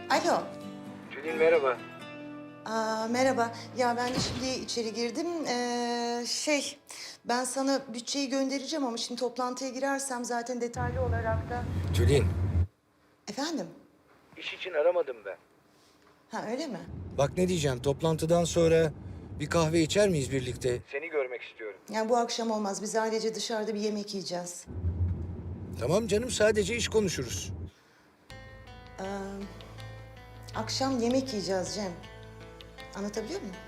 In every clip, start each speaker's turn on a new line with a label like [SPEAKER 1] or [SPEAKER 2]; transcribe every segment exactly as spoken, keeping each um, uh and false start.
[SPEAKER 1] Alo.
[SPEAKER 2] Tülin merhaba.
[SPEAKER 1] Aa, merhaba. Ya ben de şimdi içeri girdim. Ee, şey, ben sana bütçeyi göndereceğim ama şimdi toplantıya girersem zaten detaylı olarak da...
[SPEAKER 2] Tülin.
[SPEAKER 1] Efendim?
[SPEAKER 2] İş için aramadım ben.
[SPEAKER 1] Ha öyle mi?
[SPEAKER 2] Bak ne diyeceğim, toplantıdan sonra bir kahve içer miyiz birlikte? Seni görmek istiyorum.
[SPEAKER 1] Yani bu akşam olmaz. Biz ailece dışarıda bir yemek yiyeceğiz.
[SPEAKER 2] Tamam canım, sadece iş konuşuruz.
[SPEAKER 1] Ee, akşam yemek yiyeceğiz Cem. Anlatabiliyor muyum?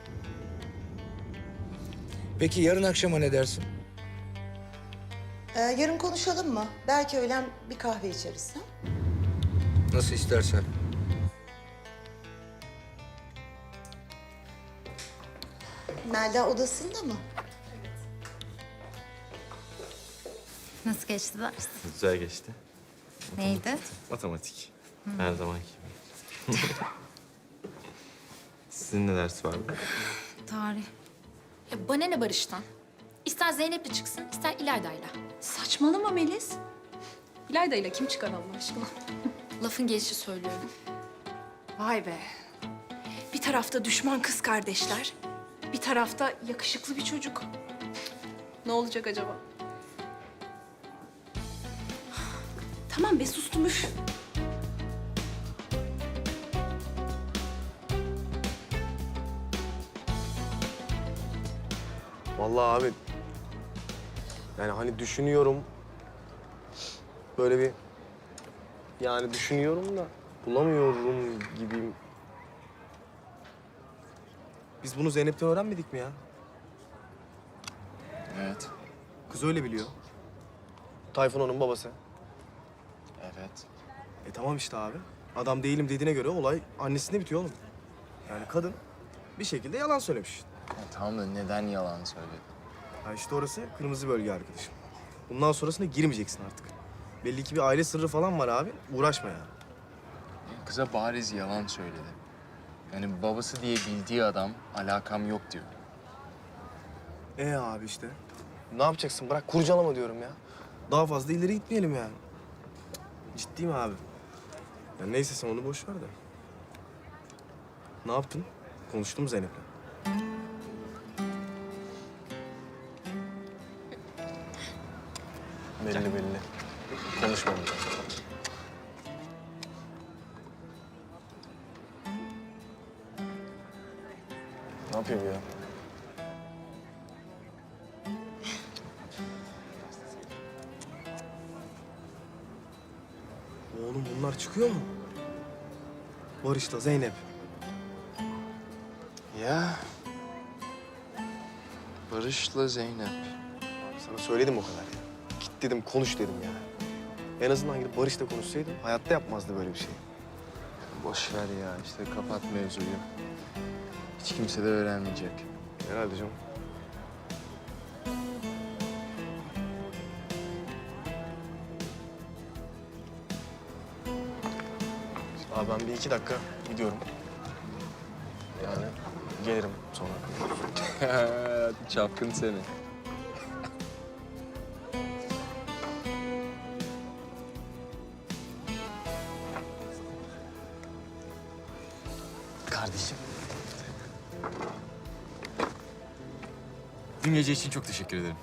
[SPEAKER 2] Peki yarın akşama ne dersin?
[SPEAKER 1] Ee, yarın konuşalım mı? Belki öğlen bir kahve içeriz. Ha?
[SPEAKER 2] Nasıl istersen.
[SPEAKER 1] Melda odasında mı?
[SPEAKER 3] Nasıl geçti ders?
[SPEAKER 4] Güzel geçti.
[SPEAKER 3] Neydi?
[SPEAKER 4] Matematik. Her zamanki gibi. Sizin ne ders vardı?
[SPEAKER 3] Tarih.
[SPEAKER 5] Ya bana ne Barış'tan? İster Zeynep'le çıksın, ister İlayda'yla.
[SPEAKER 6] Saçmalama Melis. İlayda ile kim çıkar Allah aşkına?
[SPEAKER 5] Lafın gelişi söylüyorum.
[SPEAKER 6] Vay be. Bir tarafta düşman kız kardeşler, bir tarafta yakışıklı bir çocuk. Ne olacak acaba? Tamam be, sustum üf.
[SPEAKER 7] Vallahi abi, yani hani düşünüyorum, böyle bir, yani düşünüyorum da bulamıyorum gibiyim. Biz bunu Zeynep'ten öğrenmedik mi ya?
[SPEAKER 4] Evet.
[SPEAKER 7] Kız öyle biliyor. Tayfun onun babası.
[SPEAKER 4] Evet.
[SPEAKER 7] E tamam işte abi. Adam değilim dediğine göre olay annesinde bitiyor oğlum. Yani kadın bir şekilde yalan söylemiş.
[SPEAKER 4] Ya, tamam da neden yalan söyledi?
[SPEAKER 7] Ha işte orası kırmızı bölge arkadaşım. Bundan sonrasına girmeyeceksin artık. Belli ki bir aile sırrı falan var abi. Uğraşma ya.
[SPEAKER 8] Kıza bariz yalan söyledi. Yani babası diye bildiği adam alakam yok diyor.
[SPEAKER 7] E abi işte. Ne yapacaksın? Bırak kurcalama diyorum ya. Daha fazla ileri gitmeyelim yani. Ciddiyim abi. Ya neyse sen onu boş ver de. Ne yaptın? Konuştun mu Zeynep'le? Belli belli. Konuşmadım. Ne yapıyor bu ya? Oğlum bunlar çıkıyor mu? Barış'la Zeynep.
[SPEAKER 8] Ya Barış'la Zeynep.
[SPEAKER 7] Sana söyledim o kadar ya. Git dedim, konuş dedim ya. En azından gidip Barış'la konuşsaydım hayatta yapmazdı böyle bir şey.
[SPEAKER 8] Boş ver ya işte kapat mevzuyu. Hiç kimse de öğrenmeyecek.
[SPEAKER 7] Herhalde canım. Abi ben bir iki dakika gidiyorum. Yani gelirim sonra.
[SPEAKER 8] Çapkın seni.
[SPEAKER 7] Kardeşim.
[SPEAKER 8] Dün gece için çok teşekkür ederim.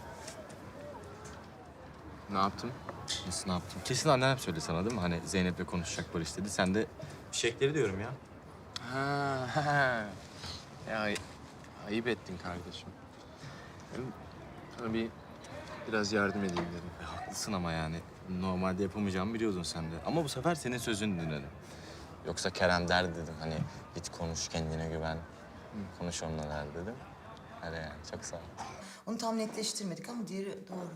[SPEAKER 8] Ne yaptım? Nasıl ne yaptım? Kesin annen hep söyledi sana değil mi? Hani Zeynep'le konuşacak Barış dedi. Sen de
[SPEAKER 4] Fişekleri diyorum ya.
[SPEAKER 8] Ha, ha. Ya ay- ayıp ettin kardeşim. Hem sana bir biraz yardım edeyim dedim. E, haklısın ama yani. Normalde yapamayacağımı biliyordun sen de. Ama bu sefer senin sözünü dinledim. Yoksa Kerem der dedim hani git konuş kendine güven. Konuş onunla der dedim. Hadi yani çok sağ ol.
[SPEAKER 1] Onu tam netleştirmedik ama diğeri doğru.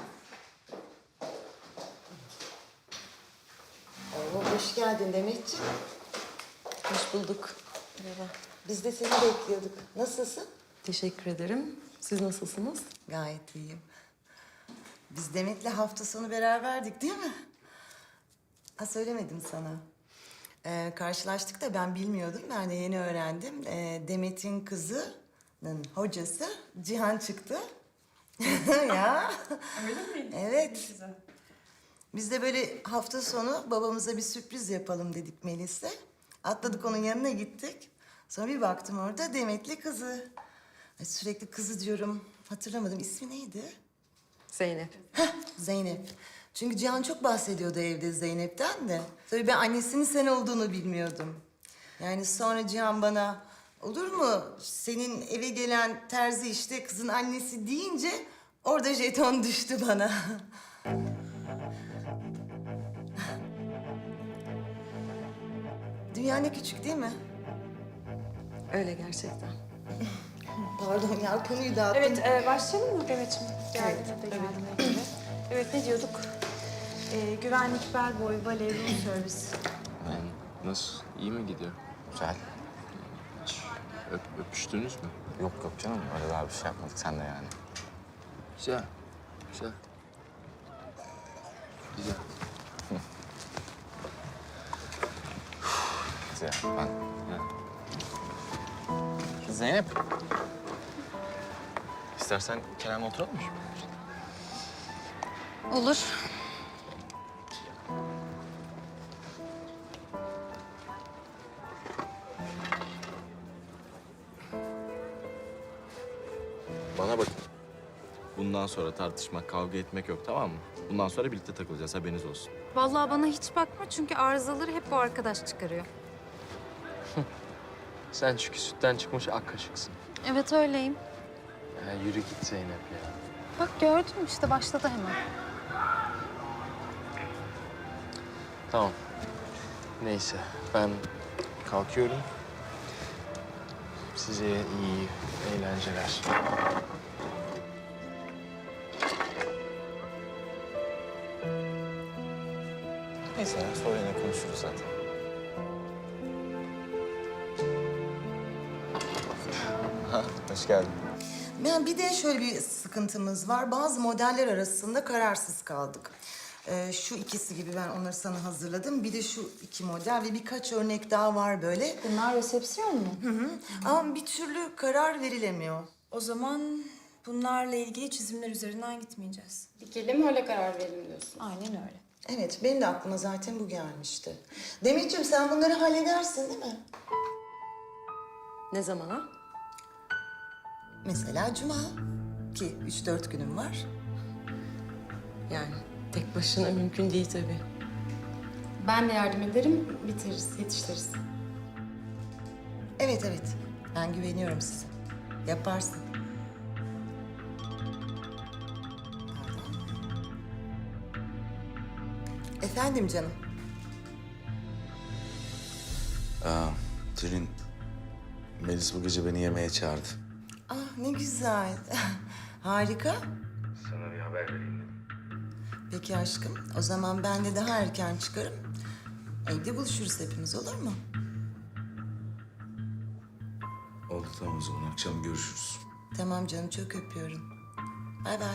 [SPEAKER 1] Oo, hoş geldin Demetciğim. Hoş bulduk. Merhaba. Biz de seni bekliyorduk. Nasılsın?
[SPEAKER 9] Teşekkür ederim. Siz nasılsınız?
[SPEAKER 1] Gayet iyiyim. Biz Demet'le hafta sonu beraberdik değil mi? Ha söylemedim sana. Ee, karşılaştık da ben bilmiyordum. Ben de yeni öğrendim. Ee, Demet'in kızının hocası Cihan çıktı. Ya.
[SPEAKER 6] Öyle miydi?
[SPEAKER 1] Evet.
[SPEAKER 6] Güzel.
[SPEAKER 1] Biz de böyle hafta sonu babamıza bir sürpriz yapalım dedik Melis'le. Atladık onun yanına gittik. Sonra bir baktım orada Demet'li kızı. Ay, sürekli kızı diyorum. Hatırlamadım. İsmi neydi?
[SPEAKER 9] Zeynep.
[SPEAKER 1] Zeynep. Çünkü Cihan çok bahsediyordu evde Zeynep'ten de. Tabii ben annesinin sen olduğunu bilmiyordum. Yani sonra Cihan bana olur mu senin eve gelen terzi işte kızın annesi deyince orada jeton düştü bana. Dünya ne küçük değil mi?
[SPEAKER 9] Öyle gerçekten.
[SPEAKER 1] Pardon ya konuyu dağıttım.
[SPEAKER 6] Evet, e, başlayalım mı Demet'ciğim? Geldi de geldi. Evet. evet, ne diyorduk? E, güvenlik, bellboy, bale, room servis.
[SPEAKER 8] Yani nasıl? İyi mi gidiyor?
[SPEAKER 4] Güzel.
[SPEAKER 8] Hiç öp, öpüştünüz mü?
[SPEAKER 4] Yok yok canım öyle daha bir şey yapmadık sen de yani.
[SPEAKER 8] Güzel. Güzel. Güzel.
[SPEAKER 4] Güzel ben. Zeynep. İstersen Kerem'le oturalım mı?
[SPEAKER 3] Olur.
[SPEAKER 8] Bana bakın. Bundan sonra tartışmak, kavga etmek yok, tamam mı? Bundan sonra birlikte takılacağız, haberiniz olsun.
[SPEAKER 3] Vallahi bana hiç bakma çünkü arızaları hep bu arkadaş çıkarıyor.
[SPEAKER 10] Sen çünkü sütten çıkmış ak kaşıksın.
[SPEAKER 3] Evet öyleyim.
[SPEAKER 10] Ya yürü git Zeynep ya.
[SPEAKER 3] Bak gördün işte başladı hemen.
[SPEAKER 10] Tamam. Neyse ben kalkıyorum. Size iyi eğlenceler.
[SPEAKER 4] Neyse ya sonra yine konuşuruz zaten. Ha, hoş geldin.
[SPEAKER 1] Yani bir de şöyle bir sıkıntımız var. Bazı modeller arasında kararsız kaldık. Ee, şu ikisi gibi ben onları sana hazırladım. Bir de şu iki model ve birkaç örnek daha var böyle.
[SPEAKER 5] Bunlar resepsiyon mu?
[SPEAKER 1] Hı hı. Ama bir türlü karar verilemiyor.
[SPEAKER 6] O zaman bunlarla ilgili çizimler üzerinden gitmeyeceğiz.
[SPEAKER 5] Dikelim öyle karar verelim diyorsun.
[SPEAKER 6] Aynen öyle.
[SPEAKER 1] Evet, benim de aklıma zaten bu gelmişti. Demetciğim sen bunları halledersin değil mi?
[SPEAKER 9] Ne zamana?
[SPEAKER 1] Mesela cuma ki üç dört günüm var.
[SPEAKER 9] Yani tek başına mümkün değil tabii.
[SPEAKER 5] Ben de yardım ederim, bitiririz, yetiştiririz.
[SPEAKER 1] Evet evet, ben güveniyorum size. Yaparsın. Efendim canım.
[SPEAKER 11] Aa, Tülin, Melis bu gece beni yemeğe çağırdı.
[SPEAKER 1] Ah ne güzel. Harika.
[SPEAKER 2] Sana bir haber vereyim dedim.
[SPEAKER 1] Peki aşkım, o zaman ben de daha erken çıkarım. Evde buluşuruz hepimiz, olur mu?
[SPEAKER 11] Oldu tamam o zaman akşam görüşürüz.
[SPEAKER 1] Tamam canım, çok öpüyorum. Bay bay.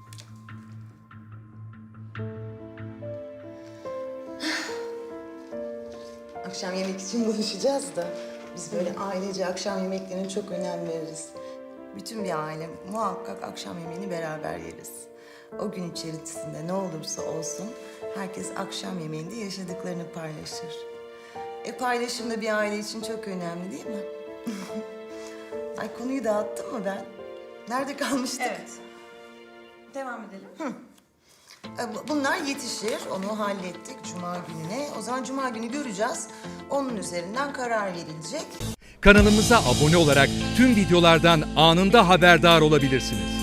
[SPEAKER 1] Akşam yemek için buluşacağız da biz böyle ailece akşam yemeklerine çok önem veririz. Bütün bir aile muhakkak akşam yemeğini beraber yeriz. O gün içerisinde ne olursa olsun herkes akşam yemeğinde yaşadıklarını paylaşır. E paylaşım da bir aile için çok önemli değil mi? Ay konuyu dağıttım mı ben? Nerede kalmıştık?
[SPEAKER 6] Evet. Devam edelim.
[SPEAKER 1] E, bu- Bunlar yetişir. Onu hallettik Cuma gününe. O zaman Cuma günü göreceğiz. Onun üzerinden karar verilecek.
[SPEAKER 12] Kanalımıza abone olarak tüm videolardan anında haberdar olabilirsiniz.